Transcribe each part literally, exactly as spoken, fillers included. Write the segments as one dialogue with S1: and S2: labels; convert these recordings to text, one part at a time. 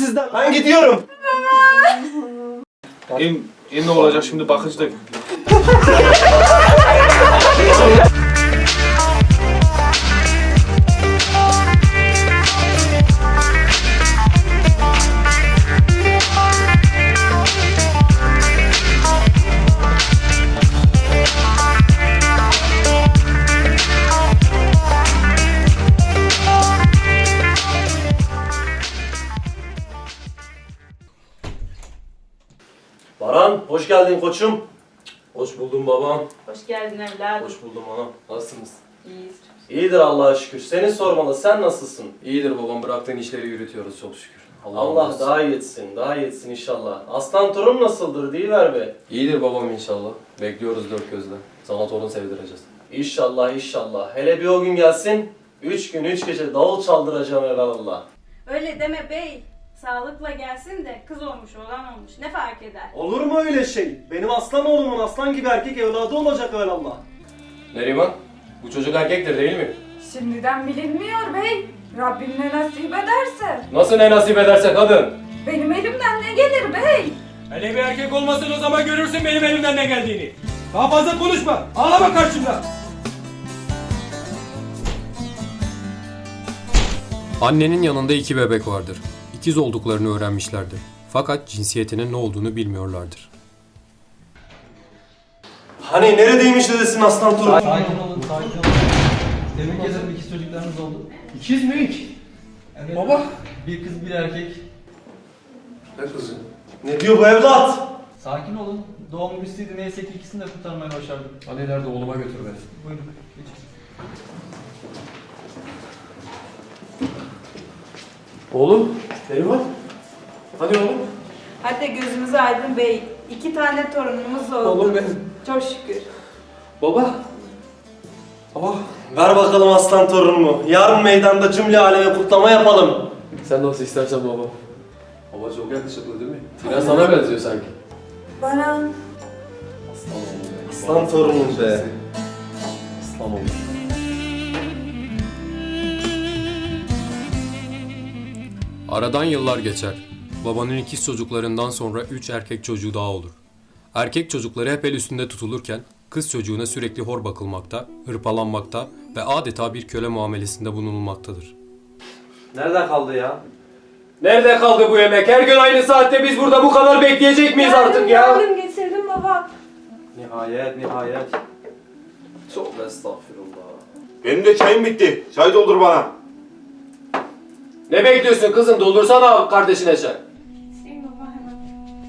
S1: sizden. Ben gidiyorum.
S2: İn, in ne olacak şimdi bakıcı da.
S1: Baran, hoş geldin koçum. Hoş buldum babam.
S3: Hoş geldin evladım.
S1: Hoş buldum anam. Nasılsınız?
S3: İyiyiz.
S1: İyidir Allah'a şükür. Seni sormalı. Sen nasılsın?
S4: İyidir babam, bıraktığın işleri yürütüyoruz çok şükür. Allah,
S1: Allah
S4: razı
S1: daha iyi etsin. Daha iyi etsin inşallah. Aslan torun nasıldır? Deyiver be.
S4: İyidir babam inşallah. Bekliyoruz dört gözle. Sana torun sevdireceğiz.
S1: İnşallah inşallah. Hele bir o gün gelsin. Üç gün üç gece davul çaldıracağım evvelallah.
S3: Öyle deme bey. Sağlıkla gelsin de kız olmuş olan olmuş. Ne fark eder?
S1: Olur mu öyle şey? Benim aslan oğlumun aslan gibi erkek evladı olacak evvelallah.
S4: Neriman, bu çocuk erkektir değil mi?
S5: Şimdiden bilinmiyor bey. Rabbim ne nasip ederse.
S4: Nasıl ne nasip ederse kadın?
S5: Benim elimden ne gelir bey?
S6: Hele bir erkek olmasın o zaman görürsün benim elimden ne geldiğini. Daha fazla konuşma. Ağlama karşımda.
S7: Annenin yanında iki bebek vardır. İkiz olduklarını öğrenmişlerdir. Fakat cinsiyetinin ne olduğunu bilmiyorlardır.
S1: Hani neredeymiş dedesin aslan torun?
S8: Sakin olun, sakin olun. Tebrik ederim, ikiz çocuklarınız oldu.
S6: İkiz mi?
S8: Evet.
S6: Baba.
S8: Bir kız, bir erkek.
S4: Ne kızı?
S1: Ne diyor bu evlat?
S8: Sakin olun. Doğum üstüydü, neyse ki ikisini de kurtarmayı başardım.
S4: Hadi ileride oğluma götür beni.
S8: Buyurun, geçin.
S4: Oğlum, Neriman. Hadi oğlum.
S5: Hadi gözümüz aydın bey. İki tane torunumuz oldu.
S4: Oğlum benim.
S5: Çok şükür.
S4: Baba. Baba.
S1: Ver bakalım aslan torunumu. Yarın meydanda cümle aleme kutlama yapalım.
S4: Sen nasıl istersen baba. Baba çok yakışıklı değil mi? Biraz sana benziyor sanki.
S5: Baran.
S4: Aslan oğlum be.
S1: Aslan torunum be.
S4: Aslan oğlum.
S7: Aradan yıllar geçer. Babanın ikiz çocuklarından sonra üç erkek çocuğu daha olur. Erkek çocukları hep el üstünde tutulurken kız çocuğuna sürekli hor bakılmakta, hırpalanmakta ve adeta bir köle muamelesinde bulunulmaktadır.
S1: Nerede kaldı ya?
S4: Nerede kaldı bu yemek? Her gün aynı saatte biz burada bu kadar bekleyecek miyiz artık ya?
S5: Geldim getirdim baba.
S1: Nihayet nihayet. Çok estağfurullah.
S2: Benim de çayım bitti. Çay doldur bana.
S4: Ne bekliyorsun kızım? Doldursana kardeşine çay.
S3: Hüseyin baba hemen.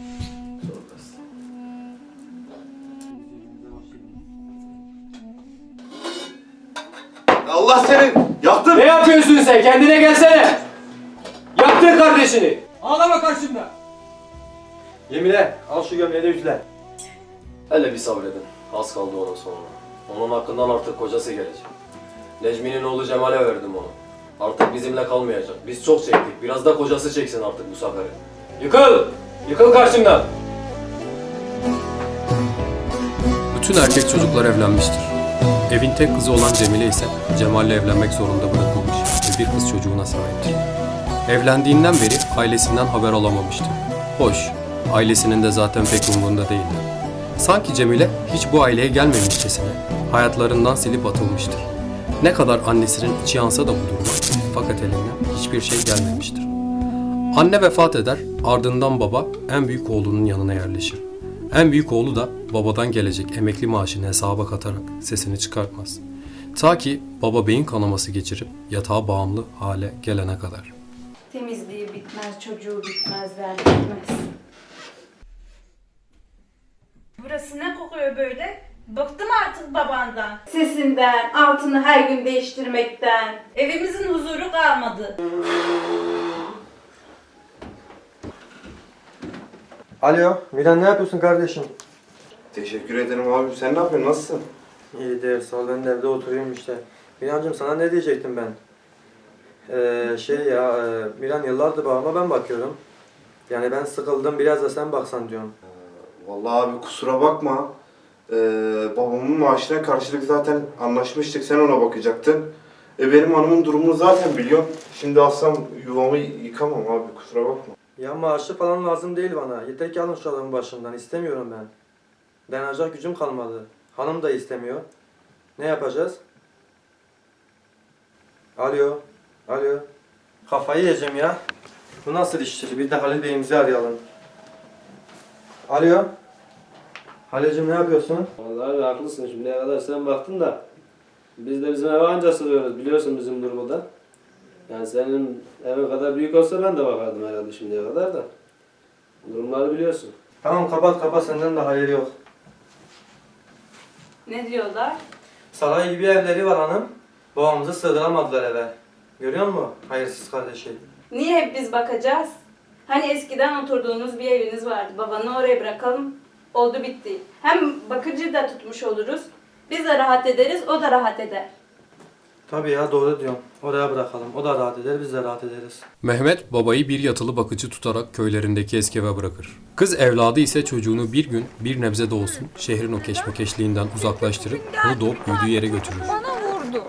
S2: Allah seni yaktın.
S4: Ne yapıyorsun sen? Kendine gelsene. Yaktın kardeşini.
S6: Ağlama karşımda.
S1: Yemine al şu gömleği de üfle.
S4: Hele bir sabredin. Az kaldı onun sonra. Onun hakkından artık kocası gelecek. Necmi'nin oğlu Cemal'e verdim onu. Artık bizimle kalmayacak. Biz çok çektik. Biraz da kocası çeksin artık bu seferi. Yıkıl! Yıkıl karşımdan!
S7: Bütün erkek çocuklar evlenmiştir. Evin tek kızı olan Cemile ise Cemal'le evlenmek zorunda bırakılmış ve bir kız çocuğuna sahiptir. Evlendiğinden beri ailesinden haber alamamıştır. Hoş, ailesinin de zaten pek umurunda değildi. Sanki Cemile hiç bu aileye gelmemişçesine hayatlarından silip atılmıştır. Ne kadar annesinin içi yansa da bu duruma fakat elinden hiçbir şey gelmemiştir. Anne vefat eder, ardından baba en büyük oğlunun yanına yerleşir. En büyük oğlu da babadan gelecek emekli maaşını hesaba katarak sesini çıkartmaz. Ta ki baba beyin kanaması geçirip yatağa bağımlı hale gelene kadar.
S3: Temizliği bitmez, çocuğu bitmez, verdi bitmez. Burası ne kokuyor böyle? Bıktım artık babandan. Sesinden, altını her gün değiştirmekten. Evimizin huzuru kalmadı.
S9: Alo, Milan ne yapıyorsun kardeşim?
S2: Teşekkür ederim abim. Sen ne yapıyorsun? Nasılsın?
S9: İyidir, sağ ol, ben de evde oturuyorum işte. Milancığım sana ne diyecektim ben? Ee, şey ya, e, Milan yıllardır babama ben bakıyorum. Yani ben sıkıldım, biraz da sen baksan diyorum.
S2: Vallahi abi kusura bakma. Ee, babamın maaşına karşılık zaten anlaşmıştık. Sen ona bakacaktın. E benim hanımın durumunu zaten biliyorsun. Şimdi alsam yuvamı yıkamam abi. Kusura bakma.
S9: Ya maaşı falan lazım değil bana. Yeter ki alın şu adamın başından. İstemiyorum ben. Dayanacak gücüm kalmadı. Hanım da istemiyor. Ne yapacağız? Alo. Alo. Kafayı yiyeceğim ya. Bu nasıl iştir? Bir de Halil Bey'imizi arayalım. Alo. Halil'cim ne yapıyorsun?
S10: Vallahi abi haklısın, şimdiye kadar sen baktın da biz de bizim eve anca sığıyoruz, biliyorsun bizim durumu da. Yani senin evin kadar büyük olsa ben de bakardım herhalde şimdiye kadar da. Durumları biliyorsun.
S9: Tamam kapat kapat, senden de hayır yok.
S3: Ne diyorlar?
S9: Saray gibi evleri var hanım. Babamızı sığdıramadılar eve. Görüyor musun hayırsız kardeşi?
S3: Niye hep biz bakacağız? Hani eskiden oturduğunuz bir eviniz vardı. Babanı oraya bırakalım. Oldu bitti. Hem bakıcı da tutmuş oluruz. Biz de rahat ederiz, o da rahat eder.
S9: Tabii ya, doğru diyorum. Oraya bırakalım. O da rahat eder, biz de rahat ederiz.
S7: Mehmet babayı bir yatılı bakıcı tutarak köylerindeki eski eve bırakır. Kız evladı ise çocuğunu bir gün bir nebze de olsun şehrin o keşmekeşliğinden uzaklaştırıp onu doğup büyüdüğü yere götürür.
S5: Bana vurdu.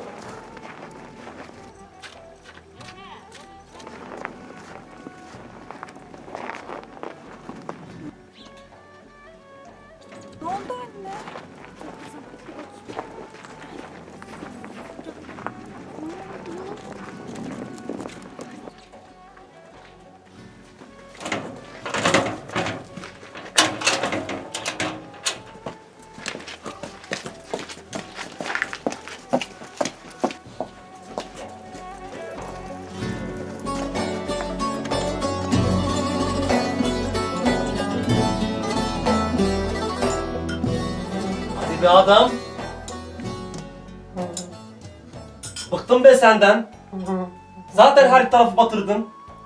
S5: Ne oldu anne?
S1: Hadi be adam. Bıktım be senden. Zaten her tarafı batırdın.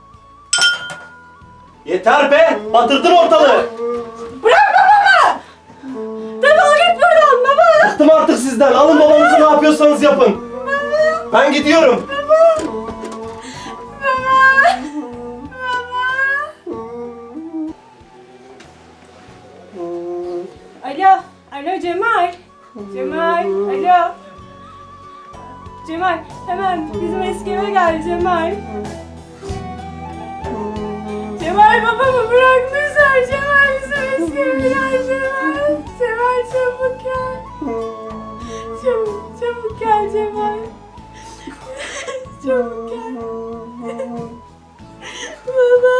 S1: Yeter be! Batırdın ortalığı!
S3: Bırak babamı! Defol git buradan baba!
S1: Bıktım artık sizden. Alın babanızı ne yapıyorsanız yapın. Ben gidiyorum.
S5: Alo, alo Cemal. Cemal, alo. Cemal, hemen bizim eski eve gel Cemal. Cemal babamı bırakmışlar. Cemal bizim eski eve gel Cemal. Cemal çabuk gel. Çabuk, çabuk gel Cemal. Çabuk gel. Baba.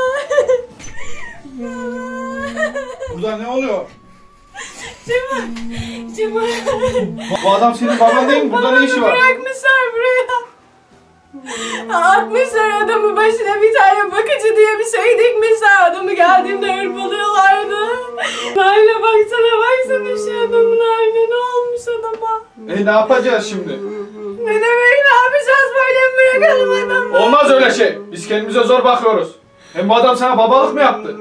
S6: Burada ne oluyor?
S5: Cemal, Cemal.
S6: Bu adam senin baban değil mi? Burada ne işi var?
S5: Bırakmışlar buraya. Atmışlar adamı başına, bir tane bakıcı diye bir şey dikmişler. Adamı geldiğimde hırpalıyorlardı. Haline baksana, baksana şu adamın haline, ne olmuş adama?
S6: E ne yapacağız şimdi?
S5: Ne demek ne yapacağız, böyle mi bırakalım adamı?
S6: Olmaz öyle şey. Biz kendimize zor bakıyoruz. Hem bu adam sana babalık mı yaptı?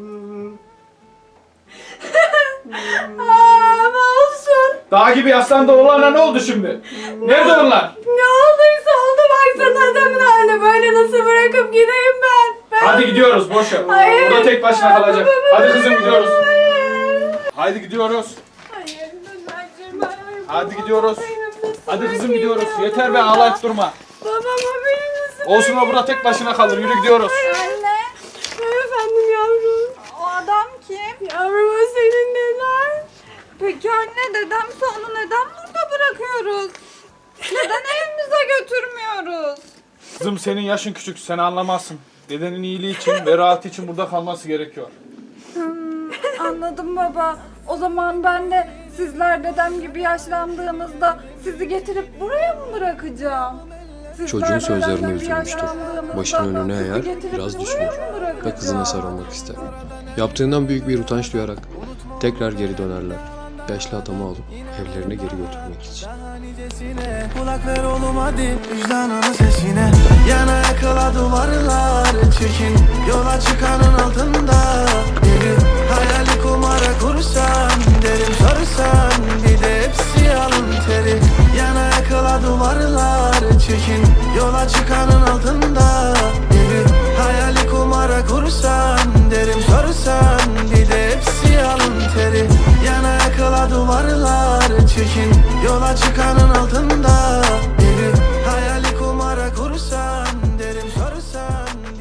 S5: Aa, ama olsun.
S6: Dağ gibi yaslandı oğlanla ne oldu şimdi? Nerede onlar?
S5: Ne olduysa oldu, baksana adamın haline, böyle nasıl bırakıp gideyim ben? ben...
S6: Hadi gidiyoruz boş ver.
S5: Hayır.
S6: Burada tek başına kalacak.
S5: Babamı
S6: Hadi kızım gidiyoruz.
S5: Hayır.
S6: Hadi gidiyoruz.
S5: Hayır, lütfen Cemal.
S6: Hadi gidiyoruz.
S5: Benim nasıl
S6: Hadi kızım
S5: bırakayım
S6: gidiyoruz.
S5: ya
S6: Yeter be,
S5: babama?
S6: ağlayıp durma.
S5: Babama benim nasıl
S6: Olsun, o burada tek başına kalır. Yürü gidiyoruz.
S5: Anne. Efendim yavrum. O adam kim? Yavrum o senin neden? Peki anne, dedemse onu neden burada bırakıyoruz? Neden evimize götürmüyoruz?
S6: Kızım senin yaşın küçük. Sen anlamazsın. Dedenin iyiliği için ve rahatı için burada kalması gerekiyor.
S5: Hmm, anladım baba. O zaman ben de sizler dedem gibi yaşlandığınızda sizi getirip buraya mı bırakacağım? Sizler
S7: Çocuğun sözlerine
S5: dedem gibi
S7: üzülmüştür.
S5: yaşlandığınızda
S7: Başını önüne
S5: sizi
S7: eğer,
S5: getirip
S7: biraz
S5: buraya
S7: düşünür
S5: mı
S7: ve
S5: bırakacağım?
S7: kızına sarılmak ister. Yaptığından büyük bir utanç duyarak tekrar geri dönerler. Yaşlı adamı alıp evlerine geri götürmek için.
S11: Kulak ver oğlum hadi vicdanının sesine. Yana yakala duvarlar çekin. Yola çıkanın altında